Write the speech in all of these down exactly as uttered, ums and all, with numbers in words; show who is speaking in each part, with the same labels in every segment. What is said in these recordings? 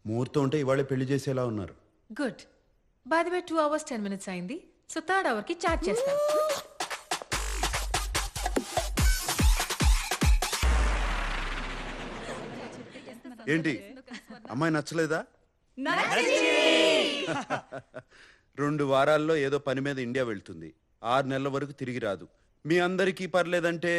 Speaker 1: ముహూర్తం ఉంటే ఇవాళే పెళ్లి చేసేలా ఉన్నారు.
Speaker 2: Good. By the way two hours ten minutes అయింది. సో థర్డ్ అవర్ కి చాట్ చేస్తాం.
Speaker 1: ఏంటి అమ్మాయి నచ్చలేదా? రెండు వారాల్లో ఏదో పని మీద ఇండియా వెళ్తుంది. ఆరు నెలల వరకు తిరిగి రాదు. మీ అందరికీ పర్లేదంటే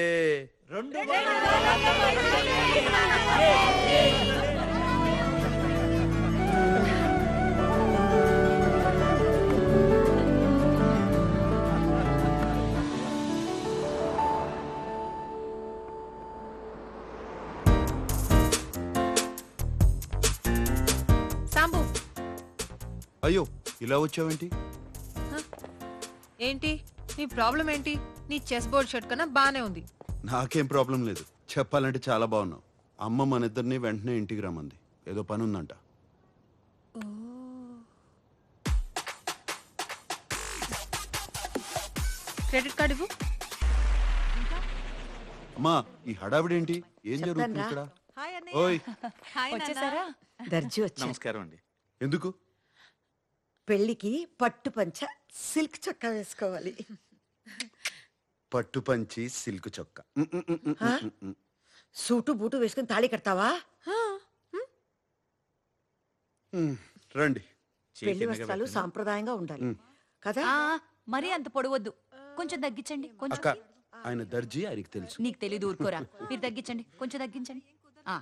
Speaker 2: సాంబు,
Speaker 1: అయ్యో ఇలా వచ్చావేంటి?
Speaker 2: ఏంటి నీ ప్రాబ్లం ఏంటి? నీ చెస్ బోర్డ్ షర్ట్ కన్నా బానే ఉంది.
Speaker 1: నాకేం ప్రాబ్లం లేదు. చెప్పాలంటే చాలా బాగున్నావు. అమ్మ మన ఇద్దరిని వెంటనే ఇంటికి రమ్మంది. ఏదో పని ఉందంట.
Speaker 2: క్రెడిట్ కార్డు ఇవ్వు.
Speaker 1: అమ్మా ఈ హడావిడేంటి? ఏం జరుగుతుంది ఇక్కడ? ఓయ్
Speaker 3: వచ్చేసారా? దర్జీ వచ్చా.
Speaker 4: నమస్కారం అండి.
Speaker 1: ఎందుకు?
Speaker 3: పెళ్లికి పట్టు పంచ సిల్క్ చొక్కా వేసుకోవాలి.
Speaker 1: పట్టు పంచి సిల్క్ చొక్క.
Speaker 3: సూటు బూటు వేసుకుని తాళి కడతావా?
Speaker 1: రండి.
Speaker 3: పెళ్లి వస్త్రాలు సాంప్రదాయంగా ఉండాలి కదా?
Speaker 5: మరీ అంత పొడవద్దు, కొంచెం తగ్గించండి. కొంచెం
Speaker 1: అక్క ఆయన దర్జీ, ఆయనకి తెలుసు.
Speaker 5: నీకు తెలీదు, ఊరుకోరా. మీరు తగ్గించండి, కొంచెం తగ్గించండి. ఆ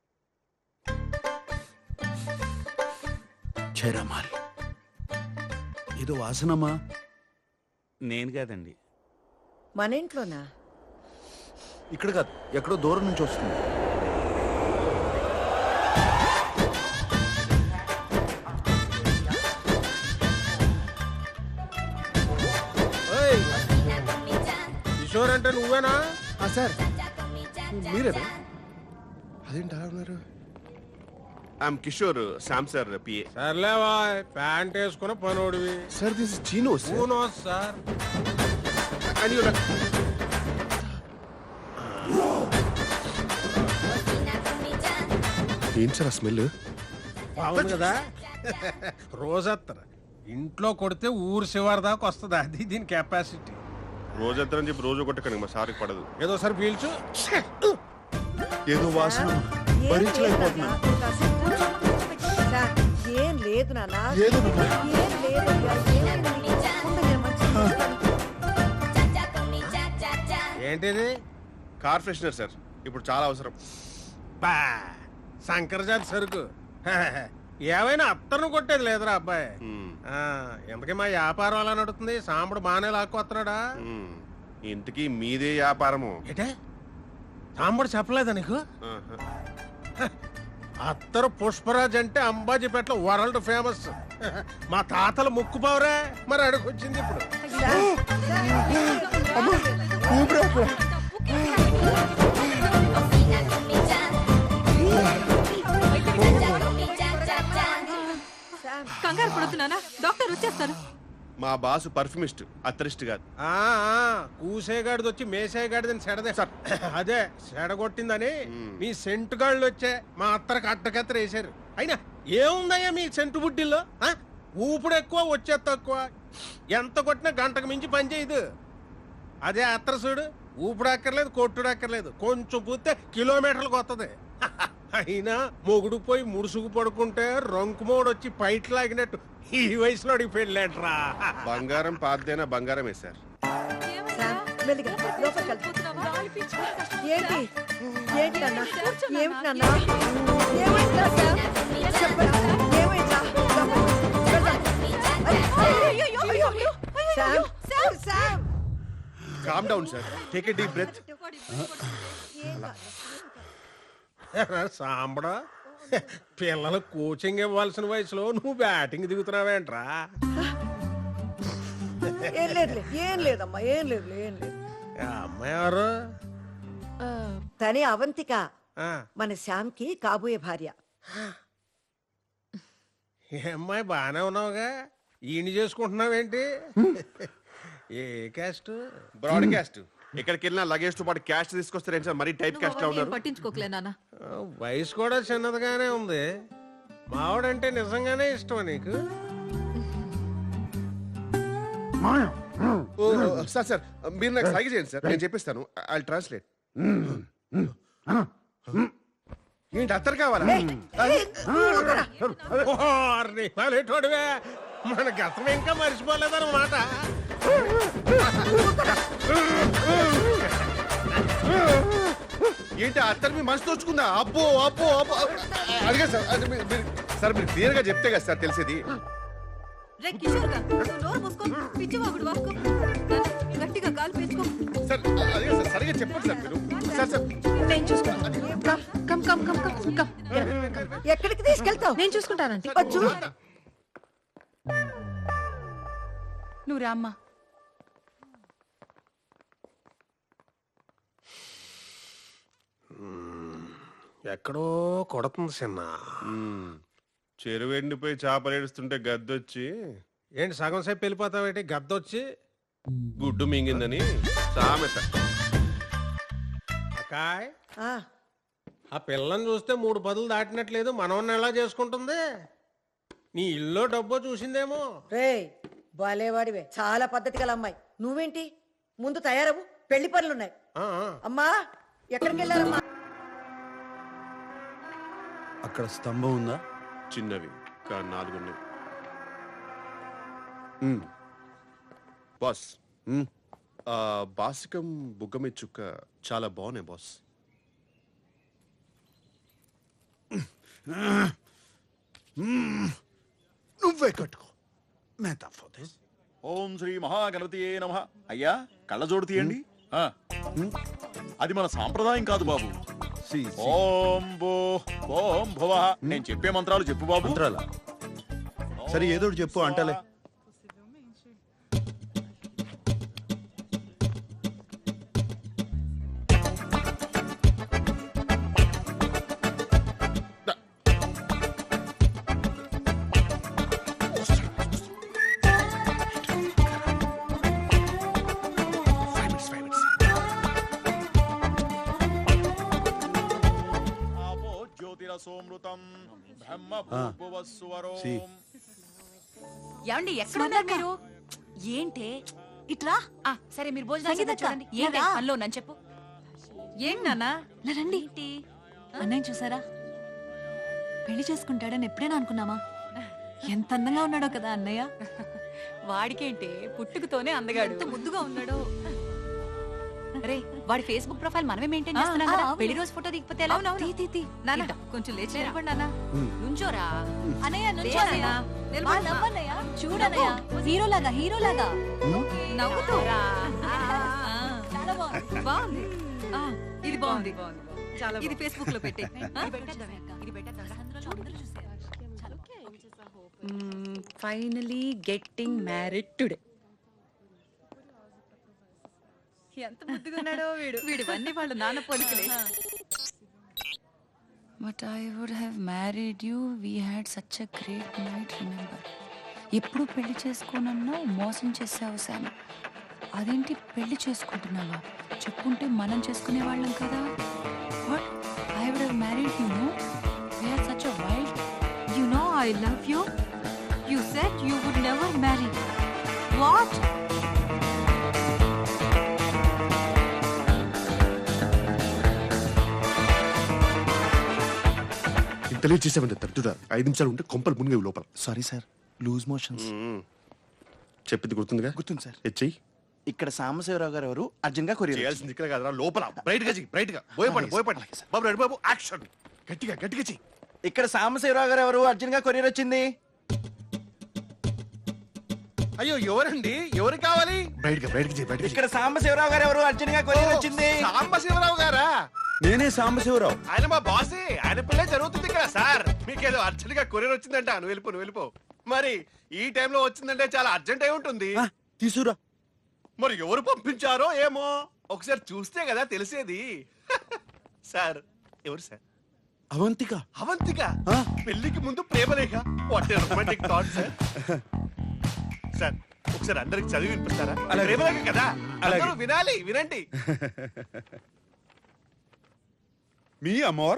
Speaker 1: చైరామాల్ ఏదో వాసనమ్మా.
Speaker 4: నేను కాదండి.
Speaker 3: మన ఇంట్లోనా?
Speaker 1: ఇక్కడ కాదు, ఎక్కడో దూరం నుంచి వస్తుంది.
Speaker 6: కిషోర్ అంటే నువ్వేనా?
Speaker 7: సార్ మీరేనా? అదేంటి అలా ఉన్నారు?
Speaker 6: I'm Kishore, Sam sir PA. సర్లేవా, ప్యాంట్ వేసుకున్న పనోడివి.
Speaker 7: సార్ దిస్ ఇస్ చీనో సార్.
Speaker 6: సార్
Speaker 7: ఏంటి సార్ ఆ స్మెల్?
Speaker 6: బాగుంది కదా. రోజత్తర ఇంట్లో కొడితే ఊరు శివారి దాకా వస్తుంది. అది దీని కెపాసిటీ.
Speaker 8: రోజంతా అని చెప్పి రోజు కొట్టకండి, మా సార్కి పడదు.
Speaker 6: ఏదో సార్ పీల్చు.
Speaker 1: ఏదో వాసన భరించలేకపోతున్నా.
Speaker 3: సార్, ఏం లేదు నాన్న.
Speaker 1: ఏదో
Speaker 3: ఏం లేదు.
Speaker 6: ఏంటిది?
Speaker 8: కార్ ఫ్రెషనర్ సార్, ఇప్పుడు చాలా అవసరం.
Speaker 6: బా శంకరజాతి సరుకు. ఏమైనా అత్తను కొట్టేది లేదురా అబ్బాయి. ఆ, ఇంతకీ మా వ్యాపారం అలా నడుతుంది? సాంబడు బాగానే లాక్కొస్తున్నాడా?
Speaker 8: మ్మ్. ఇంతకీ మీదే వ్యాపారము?
Speaker 6: ఏటే సాంబడు చెప్పలేదా నీకు? అత్తరు పుష్పరాజ్ అంటే అంబాజీపేటలో వరల్డ్ ఫేమస్. మా తాతల ముక్కు పావురే, మరి అడుగొచ్చింది ఇప్పుడు.
Speaker 2: కంగారు పడుతున్నానా? డాక్టర్ వచ్చేస్తారు.
Speaker 8: మా బాసు పర్ఫ్యూమిస్ట్, అత్తరిస్ట్ కాదు.
Speaker 6: ఆ కూసేగాడిది వచ్చి మేసేగాడిదని సెడదే సార్. అదే సెడగొట్టిందని మీ సెంటు గాళ్ళు వచ్చే మా అత్తరికి అడ్డకత్తర వేసారు. అయినా ఏముందయ్యా మీ సెంటు బుడ్డిల్లో? ఊపుడు ఎక్కువ, వచ్చే తక్కువ. ఎంత కొట్టినా గంటకు మించి పని చేయదు. అదే అత్తర చూడు, ఊపుడు అక్కర్లేదు, కొట్టుడు అక్కర్లేదు, కొంచెం పూస్తే కిలోమీటర్లకు వస్తుంది. అయినా మొగుడు పోయి ముడుసుకు పడుకుంటే రంకుమోడు వచ్చి పైట్ లాగినట్టు ఈ వయసులో పెళ్ళాట్రా.
Speaker 8: బంగారం పాతదైనా బంగారమే సార్.
Speaker 3: మెల్లిగా లోపలికి వెళ్తా. ఏంటి ఏంటి నాన్న? ఏమిటి నాన్న? ఏమైందా సార్? చెప్పరా, ఏమైందా? Sam, Sam, Sam.
Speaker 8: Calm down sir, take a deep breath.
Speaker 6: సాంబడా, పిల్లలు కోచింగ్ ఇవ్వాల్సిన వయసులో నువ్వు బ్యాటింగ్ దిగుతున్నావేంట్రా?
Speaker 3: ఏం లేదు, ఏం లేదమ్మా, ఏం లేదు, ఏం లేదు.
Speaker 6: అమ్మాయి ఎవరు?
Speaker 3: తనే అవంతిక,
Speaker 6: ఆ,
Speaker 3: మన శ్యామ్కి కాబోయే భార్య.
Speaker 6: ఈ అమ్మాయి బాగానే ఉన్నావుగా, ఈయన చేసుకుంటున్నావేంటి? ఏ క్యాస్ట్?
Speaker 8: Broadcast. ఎక్కడికి వెళ్ళినా లగేజ్ తో పాటు క్యాష్ తీసుకొస్తారేంటి సార్? మరీ టైప్ క్యాస్ట్ లా ఉన్నారు.
Speaker 2: పట్టించుకోకలే నాన్న.
Speaker 6: వయసు కూడా చిన్నదిగానే ఉంది. మావాడంటే నిజంగానే ఇష్టమా నీకు?
Speaker 8: ఓ, సార్ సార్ మీరు నాకు సైగ చేయండి సార్, నేను చెప్పిస్తాను. I translate. ఏంటి అత్తరు కావాలా?
Speaker 6: ఓర్ని పాలేటోడివే, మన గతం ఇంకా మర్చిపోలేదన్నమాట.
Speaker 8: ఏంటి అత్తరు మీ మనసు తోచుకుందా? అబ్బో అబ్బో అబ్బో అడిగా సార్. అది మీరు- మీరు- సార్ మీరు క్లియర్ గా చెప్తే కదా సార్ తెలిసేది.
Speaker 5: రే కిషోర్ గా, నువ్వు నోరు మూసుకో, పిచ్చివాగుడు వాక్కో. గట్టిగా కాలు పెంచుకో.
Speaker 8: సార్ అడిగా సార్, సరిగా చెప్పండి సార్ మీరు. సార్ సార్
Speaker 2: నేను చూసుకుంటాను. Come come come come come come.
Speaker 3: ఎక్కడికి తీసుకెళ్తావు?
Speaker 2: నేను చూసుకుంటానంటే.
Speaker 3: వచ్చు.
Speaker 5: నువ్వు రామ్మా.
Speaker 6: ఎక్కడో కొడుతుంది చిన్న.
Speaker 8: చెరువు ఎండిపోయి చేపలు ఏడుస్తుంటే గద్దొచ్చి
Speaker 6: ఏంటి సగం సేపు వెళ్ళిపోతావేంటి? గద్దొచ్చి
Speaker 8: గుడ్డు మింగిందని సామెత.
Speaker 6: అకాయ్,
Speaker 3: ఆ,
Speaker 6: ఆ పిల్లని చూస్తే మూడు పదులు దాటినట్లేదు. మనవన్ని ఎలా చేసుకుంటుంది? నీ ఇల్లు డబ్బో చూసిందేమో.
Speaker 3: రేయ్ బాలేవాడివే, చాలా పద్ధతి గల అమ్మాయి. నువ్వేంటి ముందు తయారవు, పెళ్లి పనులున్నాయి.
Speaker 6: ఆ, ఆ.
Speaker 3: అమ్మా ఎక్కడికి వెళ్ళారమ్మా?
Speaker 1: అక్కడ స్తంభం ఉందా?
Speaker 8: చిన్నవి కా నాలుగున్నాయి. బాస్,
Speaker 1: మ్.
Speaker 8: ఆ బాసికం బుగ్గమి చుక్క చాలా బాగున్నాయి బాస్.
Speaker 1: నువ్వే కట్టుకో. మేతా ఫోటోస్.
Speaker 9: ఓం శ్రీ మహాగణపతియే నమః. అయ్యా కళ్ళజోడు తీయండి. ఆ. అది మన సాంప్రదాయం కాదు బాబు.
Speaker 1: C C.
Speaker 9: ఓం భూ ఓం భువ. నేను చెప్పే మంత్రాలు చెప్పు బాబు.
Speaker 1: మంత్రాలా? సరే ఏదో ఒకటి చెప్పు అంటలే.
Speaker 9: ఆపో జ్యోతిరసోమృతం బ్రహ్మ భూర్భువస్సువరో.
Speaker 1: సి.
Speaker 5: ఏమండి ఎక్కడ ఉన్నారు మీరు? ఏంటే ఇట్లా? ఆ సరే మీరు భోజనం చేద్దాం చూడండి. ఏంటి పనిలో ఉన్నాను చెప్పు. ఏంటి నాన్న?
Speaker 10: రండి. అన్నయ్య చూసారా? పెళ్లి చేసుకుంటాడని ఎప్పుడైనా అనుకున్నామా? ఎంత అందంగా ఉన్నాడో కదా అన్నయ్య.
Speaker 5: వాడికేంటే పుట్టుకతోనే అందగాడు. ఎంత ముద్దుగా ఉన్నాడు. రే వాడి ఫేస్బుక్ ప్రొఫైల్ మనమే మెయింటైన్ చేస్తున్నాం
Speaker 10: ఆ,
Speaker 5: కదా.
Speaker 10: అవును.
Speaker 5: పెళ్లి రోజు ఫోటో దిగిపోతే ఎలా?
Speaker 10: తీ, తీ, తీ.
Speaker 5: నాన్న కొంచెం లేచి నిలబడి నాన్న. నుంచోరా.
Speaker 10: అన్నయ్య
Speaker 5: లే
Speaker 10: నుంచో అన్నయ్య.
Speaker 5: అన్నయ్య. నిలబడు
Speaker 10: మా
Speaker 5: అమ్మా.
Speaker 10: నవ్వన్నయ్య. చూడన్నయ్య హీరోలాగా హీరోలాగా
Speaker 5: నవ్వుతూ రా.
Speaker 10: చాలా బాగుంది.
Speaker 5: బాగుంది. ఆ, ఇది బాగుంది. ఇది ఫేస్బుక్ లో పెట్టే. Finally getting married today. ఎంత ముద్దుగా ఉన్నాడో వీడు. వీడివన్నీ వాళ్ళ నాన్న పోలికలే.
Speaker 10: But I would have married you. We had such a great night. Remember, ఎప్పుడు పెళ్లి చేసుకోనన్నావు, మోసం చేసావు శామ్. అదేంటి పెళ్లి చేసుకుంటున్నావా? చెప్పుంటే మనం చేసుకునే వాళ్ళం కదా. What, I would have married you. No, we are such a wild.
Speaker 5: You know I love you. You said you would never marry. What?
Speaker 7: ఇంత లేట్ చేసామంటే తట్టుడా ఐదు నిమిషాలు ఉంటే కొంపలు మునిగేవి లోపల.
Speaker 4: Sorry sir, loose motions.
Speaker 8: చెప్పింది గుర్తుందిగా?
Speaker 4: గుర్తుంది సార్.
Speaker 8: హెచ్ఐ
Speaker 4: ఇక్కడ సాంబశివరావు గారు ఎవరు అర్జున్ గా కొరియర్
Speaker 8: చేయాల్సింది ఇక్కడ కదరా, లోపల బ్రైట్ గా చెయ్యి, బ్రైట్ గా భయపడి భయపడి. బాబు రెడ్డి బాబు యాక్షన్. గట్టిగా గట్టిగా చెయ్యి.
Speaker 4: ఇక్కడ సాంబశివరావు గారు ఎవరు అర్జున్ గా కొరియర్ వచ్చింది.
Speaker 8: అయ్యో ఎవరండి? ఎవరు కావాలి?
Speaker 7: బ్రైట్ గా బ్రైట్ గా చెయ్యి, బ్రైట్ గా
Speaker 4: ఇక్కడ సాంబశివరావు గారు ఎవరు అర్జున్ గా కొరియర్ వచ్చింది.
Speaker 8: సాంబశివరావు గారా?
Speaker 1: నేనే సాంబశివరావు.
Speaker 8: ఆయన మా బాసే. ఆయన పిల్లే జరుగుతుంది కదా సార్. మీకేదో అర్జెంట్ గా కొరియర్ వచ్చిందంట. నువ్వు వెళ్ళిపో నువ్వు వెళ్ళిపో. మరి ఈ టైంలో వచ్చిందంటే చాలా అర్జెంట్ అయి ఉంటుంది.
Speaker 1: ఆ, తీసురా.
Speaker 8: మరి ఎవరు పంపించారో ఏమో ఒకసారి చూస్తే కదా తెలిసేది. సార్ ఎవరు సార్?
Speaker 1: అవంతిక.
Speaker 8: అవంతిక
Speaker 1: ఆ?
Speaker 8: పెళ్లికి ముందు ప్రేమలేఖ. What romantic thought sir. Sir ఒకసారి అందరికి చదివి వినిపిస్తారా?
Speaker 1: అలాగే.
Speaker 8: ప్రేమలేఖ కదా,
Speaker 1: అలాగే.
Speaker 8: అందరూ వినాలి, వినండి.
Speaker 1: మీ అమోర్